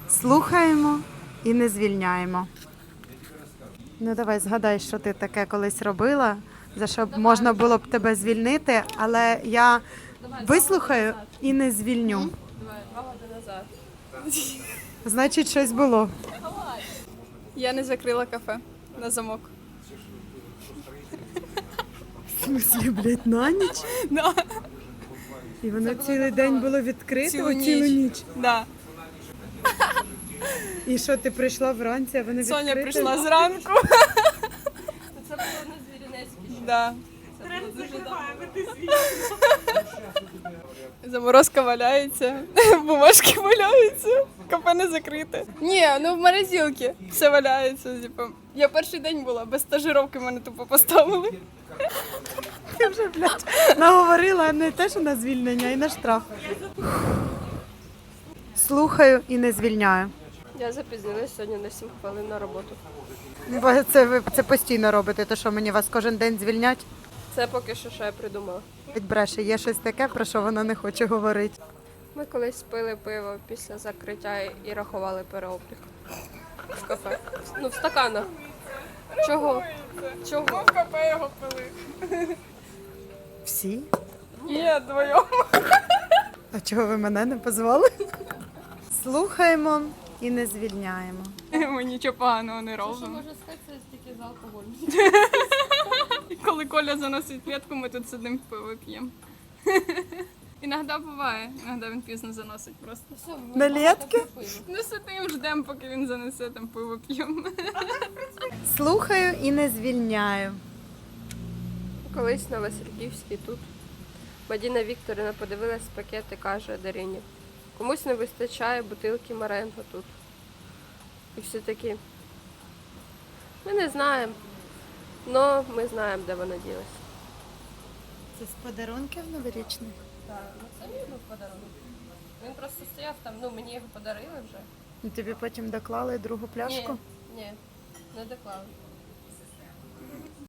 Слухаємо і не звільняємо. Ну давай згадай, що ти таке колись робила, за що б можна було б тебе звільнити, але я вислухаю і не звільню. Давай, 2 роки назад. Значить, щось було. Я не закрила кафе на замок. В смислі, блядь, на ніч? Да. І воно цілий день було відкрито, цілу ніч. Да. І що, ти прийшла вранці, а вони відкриті? Соня прийшла зранку. Це було на Звіринецькій. Да. Заморозка валяється, бумажки валяються, кафе не закрите. Ні, ну в морозилці все валяється. Типу. Я перший день була, без стажировки мене тупо поставили. Ти вже, блядь, наговорила не те, що на звільнення, а й на штраф. Слухаю і не звільняю. Я запізнилась сьогодні на 7 хвилин на роботу. Бо це ви це постійно робите, то що мені вас кожен день звільнять? Це поки що я придумала. Ведь бреше, є щось таке, про що вона не хоче говорити. Ми колись пили пиво після закриття і рахували переоблік. В кафе. Ну, в стаканах. Чого? Чого? В кафе його пили. Всі? Ні, двоєм. А чого ви мене не позвали? Слухаємо і не звільняємо. Ми нічого поганого не Що робимо. може статися тільки з алкоголем? Коли Коля заносить клітку, ми тут сидимо пиво п'ємо. Іноді буває, іноді він пізно заносить просто. Все, ми На багато лєтки? попили. Ну сидимо, ждемо, поки він занесе, там пиво п'ємо. Слухаю і не звільняю. Колись на Васильківській тут Мадіна Вікторівна подивилась пакет і каже Дарині: комусь не вистачає бутилки Маренго тут. І всі такі: ми не знаємо, але ми знаємо, де вона ділась. Це з подарунків новорічних? Так, ну це мій був подарунок. Він просто стояв там, ну мені його подарили вже. І тобі потім доклали другу пляшку? Ні, не доклали.